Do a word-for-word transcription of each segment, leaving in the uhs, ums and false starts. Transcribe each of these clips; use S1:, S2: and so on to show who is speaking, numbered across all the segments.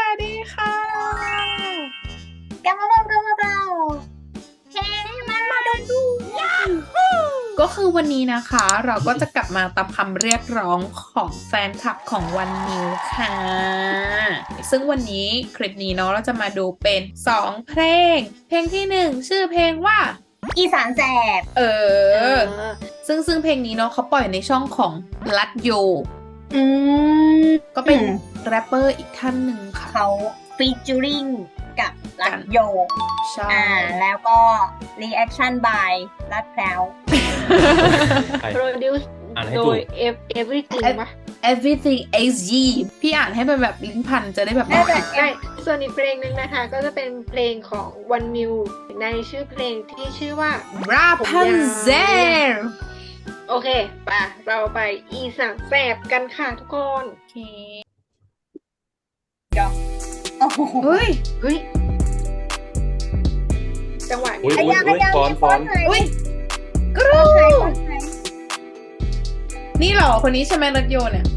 S1: วัสดีค่ะ
S2: กลับมาพบกับเราเฮ้มามาดูดู
S1: ก็คือวันนี้นะคะเราก็จะกลับมาตามคำเรียกร้องของแฟนคลับของวันนิวค่ะซึ่งวันนี้คลิปนี้เนาะเราจะมาดูเป็นสองเพลงเพลงที่หนึ่งชื่อเพลงว่า
S2: อีสานแสบ
S1: เออซึ่งซึ่งเพลงนี้เนาะเขาปล่อยในช่องของลัดโย
S2: อืม
S1: ก็เป็นแรปเปอร์อีกท่านหนึ่งค่ะ
S2: เขาฟีเจอริงกับลัดโย
S1: ใช่
S2: อ่าแล้วก็รีแอคชั่นบายลัดแพรว
S3: produce โดย everything ปะ
S1: everything is ye พี่อ่านให้เป็นแบบลิ้นพันจะได้แบบ
S3: ใช่ส่วนอีกเพลงหนึ่งนะคะก็จะเป็นเพลงของวันมิวในชื่อเพลงที่ชื่อว่า
S1: Rapunzel
S3: โอเคป่ะเราไปอีสานแสบกันค่ะทุกคน
S1: โอเค
S2: โอ้โห
S1: เฮ้ย
S3: เฮ้ยจังหวะนี้
S2: อุ้ยอุ้ยอุ้ยฟอนฟอน
S1: อุ้ยกรูนี่หรอคนนี้ใช่ไหมรถโยนเนี่ย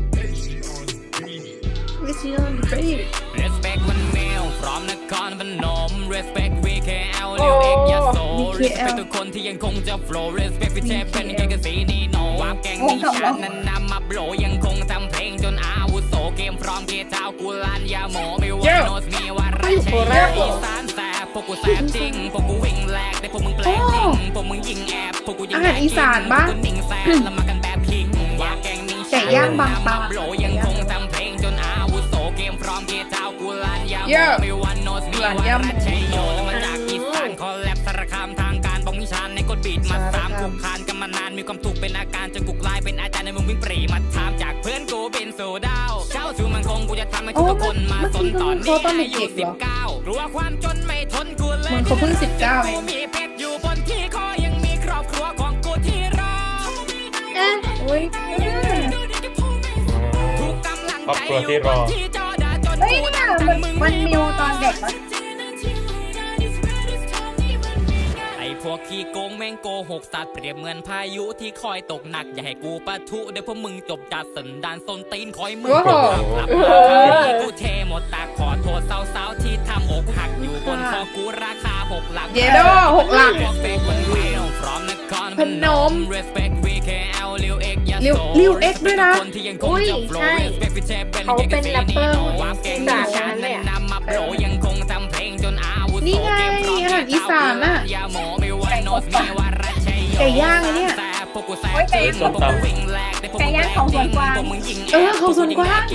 S4: Respect วันเมลพร้อมนครพนม Respect วี เค แอล เลี้ยวเอกยโส Respect ทุกคนที่ยังคงจะ flow Respect พี่เชฟเป็นแค่กระสีนีโนวาบแกงนี้ฉันนั้นนำมาโปรยังคงทำเพลงจนอาวุโสเกมพร้อมเกเจ้ากูลานยาโมไม่ว่าโนสมีว่าไรใช่อีสานแสบพวกกูแสบจริงพวกกูวิ่งแหลกแต่พวกมึงแปลกจริงพวกมึงยิงแอบพวกกูยิงแอบจริงพวกกูนิ่งแสบแล้วมากันแบบคิงวาบแกงนี้ฉันนั้นนำมาโปรยังคงทำเพลงจนอาวุโสเกมพร้อมเกเจ้ากูลานยาโมไม่ว่าโนสมีว่าไรใช่โยแล้วมาจากอีสานคอลแลบสารคามทางการบอกนิชานในกดบีดมาสามกูคานกันมานานมีความถูกเป็นอาการจนกูกลายเป็นอาจารย์ในมึงวิ่งปรีมาถามจากเพื่อนกูเป็นโซดาวเจ้าชูมันคงกูจะทำให้ทุกคนมาสนตอนนี้อายุสิบเก้ากลัวความจนไม่ทนกูเลย
S1: มันเขาเพิ่งสิบเก้าเอง
S4: มีเพชรอยู่บนที่คอยังมีครอบครัวของกูที่รอ
S1: เอ๊ะอุ้ย
S4: ทุกกำลังใจอยู่บนที่จอดาจนกูดังจังมึง
S2: มันมิวตอนเด็กมั้ย
S4: พวกขี้โกงแม่งโกหกสัตว์เปรียบเหมือนพายุที่คอยตกหนักอย่าให้กูปะทุเดี๋ยวพวกมึงจบจัดสันดานส้นตีนคอยมึงกลับมากูเทหมดตาขอโทษสาวๆที่ทำอกหักอยู่บนคอกูราคาหกหลัก
S1: เยโดหกหลักพนมลิวลิวเอ็กด้วยนะ
S3: อุ้ยใช่เขาเป็นแรปเปอร์อีสานนั่นแหละ
S1: นี่ไงอาหารอีสานน่ะไก่ย่างไงเนี่ย
S2: โอ้ยไก่ย่างไก่ย่างของสวนกวาง
S1: เออของสวนกวาง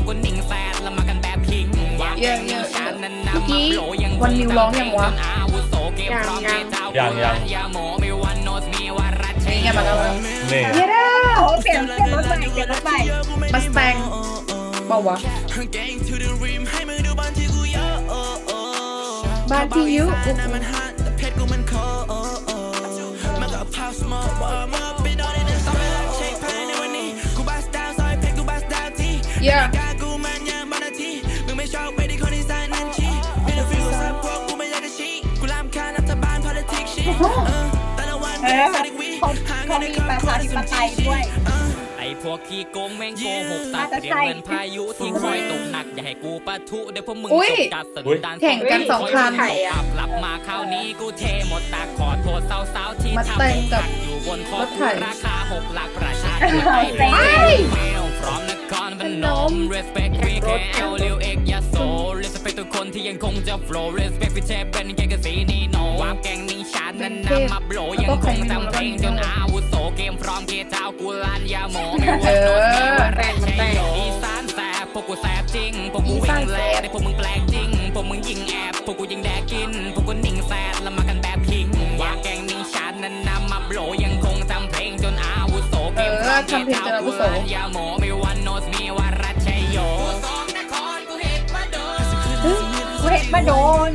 S1: เยอะเยอะเมื่อกี้วันนิวร้องยังวะ
S3: ยังยัง
S5: ยังยัง
S1: นี่ไงมาแล้ว
S5: นี่
S1: เยด้า
S2: โอ้เปลี่ยนเปลี่ยนรถใหม่เปลี่ยนรถใหม่
S1: มาสแตงเปล่าวะบ้านที่ยุเยอะ
S2: เออเขาเขามีประชาธิปไตยด้วย
S4: ไอ้พวกขี้โกงแม่งโกหกสัตว์เรียกเงินพายุที่คอยตกหนักอย่าให้กูปะทุเดี๋ยวพวกมึงจบจัดสันดาน
S1: แข่งกันสองคัน
S4: ขับหลับมาคราวนี้กูเทหมดตาขอโทษสาวๆที่ทำอกหักอยู่บนคอกูราคาหกหลักประชาธิปไตยเมลพร้อมนครพนม Respect วี เค แอล เลี้ยวเอกยโส Respect ทุกคนที่ยังคงจะ flow Respect พี่เชฟเป็นแค่กระสีนีโนวาบแกงนี้ฉันนั้นนำมาโปรยังคงทำเพลงจนอาวุโสเกมพร้อมเกเจ้ากูลานยาโมไม่ว่าโนสมีว่าแรงใช่อีสานแสบพวกกูแสบจริงพวกกูวิ่งแลกแต่พวกมึงแปลกจริงพวกมึงยิงแอบพวกกูยิงแดกกินพวกกูนิ่งแสบแล้วมากันแบบคิงวาแกงนี้ฉันนั้นนำมาโปรยังคงทำเพลงจนอาวุโสเกมพร้อมเกเจ้ากูลานยาโมไม่ว่าโนสมีว่ารัชชัยโย
S2: กูเห็ดมาโดน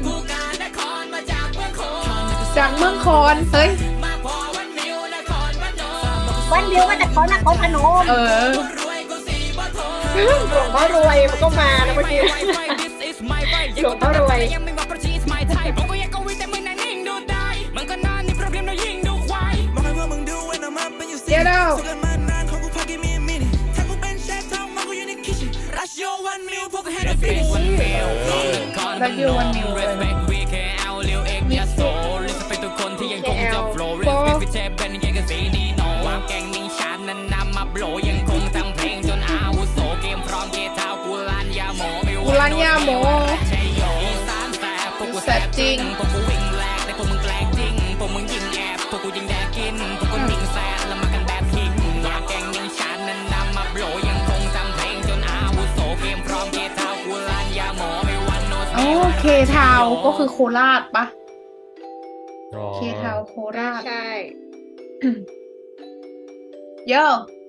S1: จากเมืองคอนเฮ้ย
S2: วันเดียวมาจากเขานครพนม
S1: เออ
S3: หลวงพ่อรวยมันก็มานะเมื่อกี้หลวงพ่อรวย
S1: เดี๋ยวเรา
S4: เ
S1: รัดโยวันมิวเลย
S4: Respect วี เค แอล Lil X ยาโส Respect ทุกคนที่ยังคงจะ flow Respect พี่เชฟเป็นยังกับสีนีโนวางแกงมิงชาญนั้นนำมาโปรยังคงทำเพลงจนอาวุโสเกมพร้อมเกเท้ากูลานยาโมไม่
S1: กูรันยาโม
S4: ใช่โยอีสานแสบพวกกูแสบจริงพวกกูวิ่งแลกแต่พวกมึงแกล้งจริงพวกมึงยิงแอบพวกกูยิงแดกกินพวกกูยิงแซดแล้วมากันแบบคิงวางแกงมิงชาญนั้นนำมาโปรยังคงทำเพลงจนอาวุโสเกมพร้อมเกเท้ากูลานยาโมไม่วันโนส
S1: โอ้เคทาวก็คือโคราชปะ
S5: อ๋อ
S1: เคทาวโคราช
S3: ใช่
S1: โย่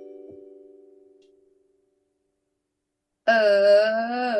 S1: เออ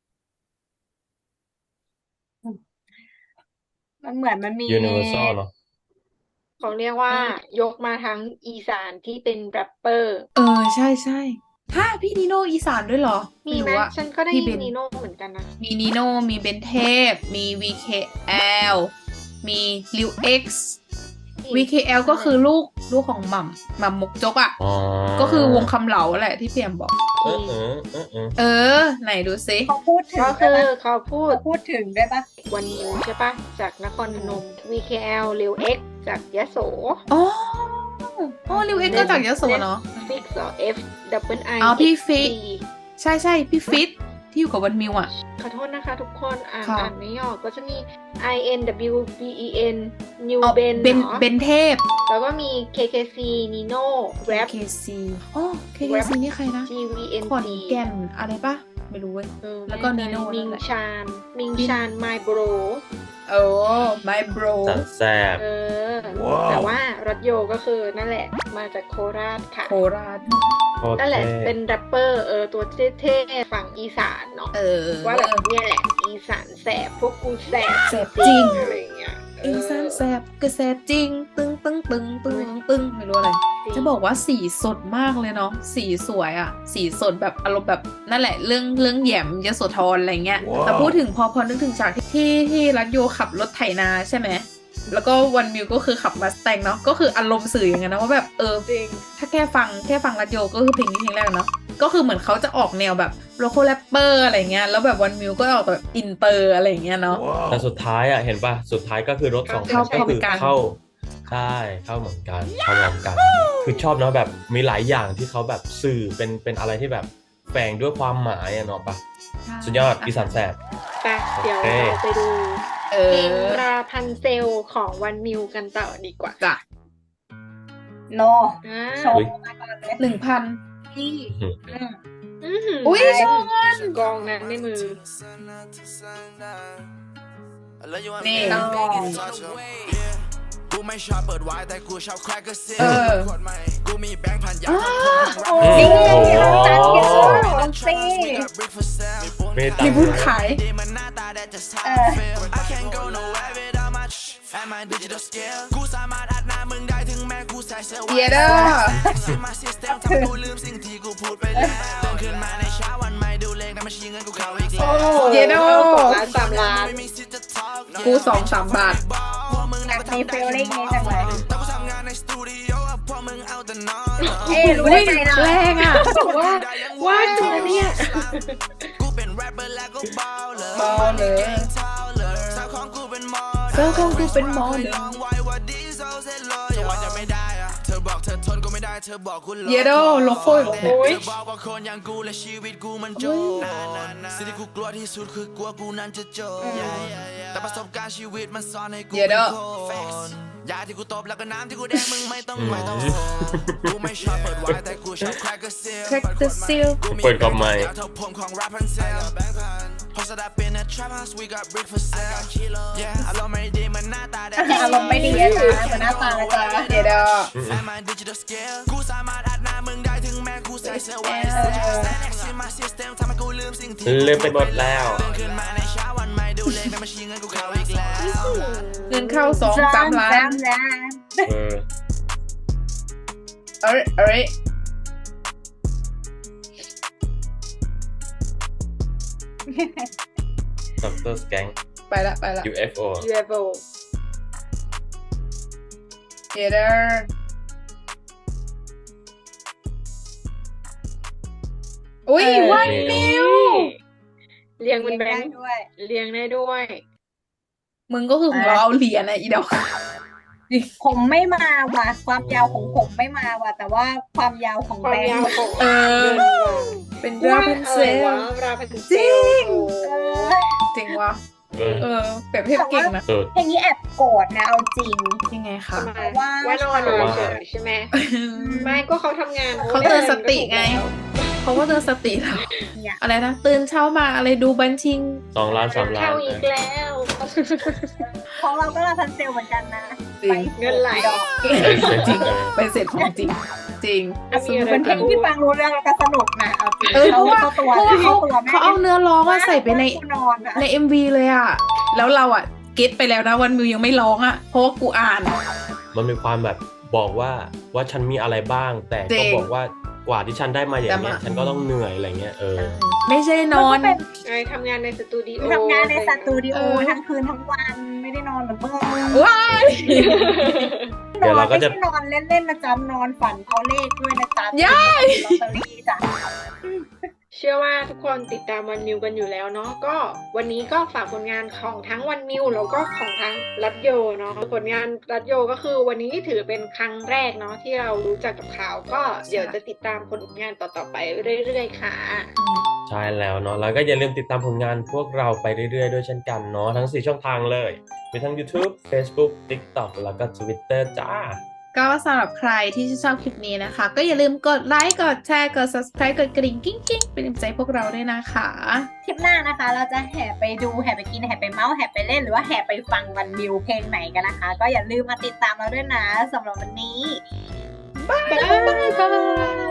S2: มันเหมือนมันมี
S5: ยูนิเวอร์แซลเนาะ
S3: เขาเรียกว่ายกมาทั้งอีสานที่เป็นแรปเปอร์
S1: เออ ใช่ใช่ฮะพี่นิโนอีสานด้วยเหรอ
S3: มีไหม
S1: รู้อะ
S3: ฉันก็ได้
S1: พี่
S3: ยิ
S1: เบ
S3: น
S1: น
S3: นีโน่เหมือนกันนะ
S1: มีนิโนมีเบนเทพ มี วี เค แอล มีลิว X วี เค แอล ก็คือลูกลูกของหม่ำหม่ำมกจกอ่ะ
S5: อ๋อ
S1: ก็คือวงคำเหลาแหละที่เพียมบอก
S5: เออเออเออเออ
S1: เออ ไหนดูซิ
S2: เขาพูดถึง
S3: ก็
S2: ด้
S3: คื
S2: วย
S3: อ
S2: ปะ
S3: เขาพูด
S2: เขาพูดถึงด้วยปะ
S3: วันนิวใช่ปะจากนครพนม วี เค แอล Lil X จากยโส
S1: อ๋ออ๋อลิว X ก็จากยโสเนาะ
S3: ฟิกซ์ F double I
S1: อ๋อพี่
S3: X
S1: ฟิก
S3: C
S1: ใช่ใช่พี่ฟิตที่อยู่กับวันมิวอ่ะ
S3: ขอโทษนะคะทุกคนอ่าน
S1: ค่ะ
S3: อ่านไม่ออกก็จะมี I N W B E N New
S1: อ๋อ
S3: Ben
S1: เบน
S3: เหรอ
S1: เบนเทพ
S3: แล้วก็มี เค เค ซี Nino Rap
S1: เค ซี อ๋อ เค เค ซี นี่ใครนะ
S3: G V N
S1: ขอน
S3: C
S1: แก่นอะไรปะไม่รู้เว้ย
S3: เออ
S1: แล้วก็
S3: ไม่
S1: Nino
S3: แน่ใจมิง
S1: นั่นแหละ
S3: ชาน มิงชาน My Bro
S1: โอ้ my bro
S5: สันแซบ
S3: เออ แต่ว่ารัตโยก็คือนั่นแหละ มาจากโคราชค่ะ
S1: โคราช
S5: โคตร
S3: นั่นแหละ
S5: เท่
S3: เป็นแรปเปอร์เออตัวเท่ๆฝั่งอีสานเนาะ
S1: เออ
S3: ว่าแบบเนี่ยแหละ อีสานแสบพวกกูแสบ
S1: แสบจริง
S3: อะไรอย่างเงี้ยเ
S1: อีสานแสบกระแสบจริง ตึงตึงตึงตึงตึงไม่รู้อะไร
S3: จริง
S1: จะบอกว่าสีสดมากเลยเนาะ สีสวยอะสีสดแบบอารมณ์แบบนั่นแหละเรื่องเรื่องแหยมยโสธรอะไรเงี้ย แต่พูดถึงพอพอนึกถึงฉากที่ที่ที่รัตโยขับรถไถนาใช่ไหม แล้วก็วันมิวก็คือขับมาสแตงเนาะ ก็คืออารมณ์สื่ออย่างนั้นนะว่าแบบเออ
S3: จริง
S1: ถ้าแค่ฟังแค่ฟังรัตโยก็คือเพลงนี้เพลงแรกเนาะ ก็คือเหมือนเขาจะออกแนวแบบโลโก้แรปเปอร์อะไรเงี้ย แล้วแบบวันมิวก็ออกแบบอินเตอร์อะไรเงี้ยเนาะ
S5: แต่สุดท้ายอ่ะเห็นป่ะ สุดท้ายก็คือรถสองคั
S1: เข้าน พร้
S5: ก็
S1: อม
S5: คือ
S1: กัน
S5: เข้าใช่เข้าเหมือนกันเข้าพร้อมกัน คือชอบเนาะแบบมีหลายอย่างที่เขาแบบสื่อเป็นเป็นอะไรที่แบบแฝงด้วยความหมายอะเนาะปะสุดยอดอีสานแสบ
S3: ไปเดี๋ยว
S5: โอเค
S3: เราไปดู
S1: เอ
S3: เพลง
S1: อ
S3: ราพันเซลของวันมิวกันต่อดีกว่า
S1: จ้ะ
S2: โน
S3: อ่า
S2: โชว์มาก่อนเลย
S1: หนึ่งพัน
S2: พี่
S5: อืม
S2: อืม
S3: อื้อหือ
S1: อุ้ยชอบเงิน
S3: กองนั้นในมือ
S1: นี่
S2: ลอง
S6: กูไม่ชอบเปิดไวน์แต่กูชอบแครกเกอร์ซิล
S1: เออ
S6: กูมีแบงค์พันยา
S2: โอ้
S5: โอ้
S2: ย
S5: โห
S2: เราตัดเยอะสิ
S5: เมตา
S1: มีบุญขาย
S2: เออ
S6: I can't go nowhere without my and my digital scale กูสามารถอัดหน้ามึงได้ถึงแม้กูใส่เสื้อ
S1: เยเดอร์
S6: มาซิสเต็มทำกูลืมสิ่งที่กูพูดไปแล้วตื่นขึ้นมาในเช้าวันใหม่ดูเลขนั้นมาชี้เงินกูเข้าอีกแล้ว
S1: เยโด
S3: สองล้านสามล้าน
S6: ไม่มีสิทธิ์จะ talk
S1: กูสองสามบาท
S2: อยากมีฟีลลิ่งนี้จังเลย
S6: แต่กูทำงานในสตูดิโอพวกมึงเอาแต่นอน
S2: เอ๊ะรู้ได้ไงนะ
S1: แรงอ่ะ
S3: ว่าว่าตัวเนี่ย
S6: กูเป็นแรปเปอร์แล้วก็บอลเลย
S1: บอลเลย
S6: สาวของกูเป็นมอ
S1: เจ้าของกูเป็นหมอ
S6: ไม่
S1: เดิ
S6: ลองไว้ว่าดีโซเซลเลยจะว่าจะไม่ได้อะเธอบอกเธอทนก็ไม่ได้เธอบอกกูล
S1: เยโดโลโก้อีกแล้ว
S3: โอ้ย
S6: เธอบอกว่าคนอย่างกูและชีวิตกูมันโจรสิ่งที่กูกลัวที่สุดคือกลัวกูนั้นจะโจรแต่ประสบการณ์ชีวิตมันสอนให้กู
S1: เยโด
S6: เป็นคนยาที่กูตบแล้วก็น้ำที่กูแดงมึงไม่ต้องไม่ต้องกูไม่ชอบเปิดไวน์แต่กูชอบแครกเกอร์ซิล
S1: แคคตัสซิล
S5: เปิดกับไมค์
S6: เท่าผมของแรปพันเซลพอสดับเป็น a trap house we got brick for sale yeah อารมณ์ไม่ดีมันหน้าตาแดง
S2: อารมณ์ไม่ดีอะจ้ะเหมือนหน้าตานะจ๊ะ
S1: เยโด
S6: and my digital scale กูสามารถอัดหน้ามึงได้ถึงแม้กูใส่เสื้อไว้ Stand my system ทำให้กูลืมสิ่งที่
S5: ลืมไปหมดแล้ว
S6: ตื่นขึ้นมาในเช้าวันใหม่ดูเลขในบัญชีเงินกูเข้าอีกแล้ว
S1: เงินเข้าสองสามล้าน
S2: สามล้าน
S5: เออ
S1: เอ้ยเอ้ย
S5: ด็อกเตอร์สแกง
S1: ไปละไปละ
S5: ยู เอฟ โอ
S3: ยู เอฟ โอ
S1: เยโดอุ้ย
S2: เออ
S1: วันมิว
S3: เรียงเป็นแบ
S2: ได้
S3: งค์
S2: ด้วย
S3: เรียงได้ด้วย
S1: มึงก็คือของเราเอาเหรียญอะอีดอก
S2: ผมไม่มาว่ะความยาวของผมไม่มาว่ะแต่ว่าความยาวของ
S3: ความ
S2: แบง
S3: ยาว
S2: ค์
S3: ของ
S1: เออ
S3: เงินว่ะ
S1: เป็น
S3: ว่า
S1: ราพัน
S3: อะ
S1: เซ
S3: ไร
S1: ล
S3: วะราพันเซ
S1: จริ
S3: ล
S1: ง
S3: โอ้
S2: เออ
S1: จริงวะ
S5: เออ
S1: เออเปรียบเทียบเก่งนะ
S5: เออ
S2: เพลงนี้แอบโกรธนะเอาจริง
S1: ยังไงคะ
S3: ทำไม
S2: ว่า
S3: ว่านอนมาเฉยใช่ไหมไม่ก็เขาทำงาน
S1: เขาเตือนสติไง เพราะว่าเตือนสติเรา
S2: เนี่ย
S1: อะไรนะตื่นเช้ามาอะไรดูบัญชี
S5: สองล้านสามล้าน
S3: เข้าอีกแล้ว
S2: ของเราก็ราพันเซลเหมือนกันนะ
S1: จริง
S3: เงินไหล
S2: ดอก
S1: จริงไปเสร็จของจริง จริง
S3: มีอะไร
S2: เป็นเพลงที่ฟังรู้เรื่องแล้วก็สนุกนะเอาจริง
S1: เออเพราะว่า
S2: เข้ตัว
S1: เพราะว่าเขา
S2: ตัวแม่
S1: เขาเอาเนื้อร้องอะใส่ไปใน
S2: กูนอนอะ
S1: ใน เอ็ม วี เลยอะแล้วเราอะเก็ตไปแล้วนะวันมิวยังไม่ร้องอะเพราะว่ากูอ่าน
S5: มันมีความแบบบอกว่าว่าฉันมีอะไรบ้าง แต่
S1: จริ
S5: ก็
S1: ง
S5: บอกว่ากว่าที่ฉันได้มาอย่างเงี้ย
S1: แต่มา
S5: ฉันก็ต้องเหนื่อยอะไรเงี้ยเออ
S1: ไม่ใช่นอน
S2: แล้วก็เป็น
S3: ไอ้ทำงานในสตูดิโอ
S2: ทำงานในสตูดิโอ
S1: เออ
S2: ทั้งคืนทั้งวันไม่ได้นอนเหมือนเมื่อ
S1: ว้าย
S5: เดี๋ยวเราก็จะ
S2: ไม่ใช่นอนเล่นๆนะจ๊ะนอนฝันเอาเลขด้วยนะจ๊ะ
S1: ย้าย
S2: ลอตเตอรี่จ้ะ
S3: เชื่อว่าทุกคนติดตามวันมิวกันอยู่แล้วเนาะก็วันนี้ก็ฝากผลงานของทั้งวันมิวแล้วก็ของทั้งรัตโยเนาะผลงานรัตโยก็คือวันนี้ถือเป็นครั้งแรกเนาะที่เรารู้จักกับเขาก็เดี๋ยวจะติดตามผลงานต่อๆไปเรื่อยๆค่ะ
S5: ใช่แล้วเนาะแล้วก็อย่าลืมติดตามผลงานพวกเราไปเรื่อยๆด้วยเช่นกันเนาะทั้งสี่ช่องทางเลยมีทั้ง YouTube Facebook TikTok แล้วก็ Twitter จ้า
S1: ก็สำหรับใครที่ชอบคลิปนี้นะคะ ก็อย่าลืมกดไลค์กดแชร์กด subscribe กดกระดิ่งกิ้งกิ้งเป็นกำลังใจพวกเราด้วยนะคะ
S2: คลิปหน้านะคะ เราจะแห่ไปดูแห่ไปกินแห่ไปเมาส์แห่ไปเล่นหรือว่าแห่ไปฟังวันมิวเพลงไหนกันนะคะ ก็อย่าลืมมาติดตามเราด้วยนะสำหรับวันนี้
S3: บ๊ายบาย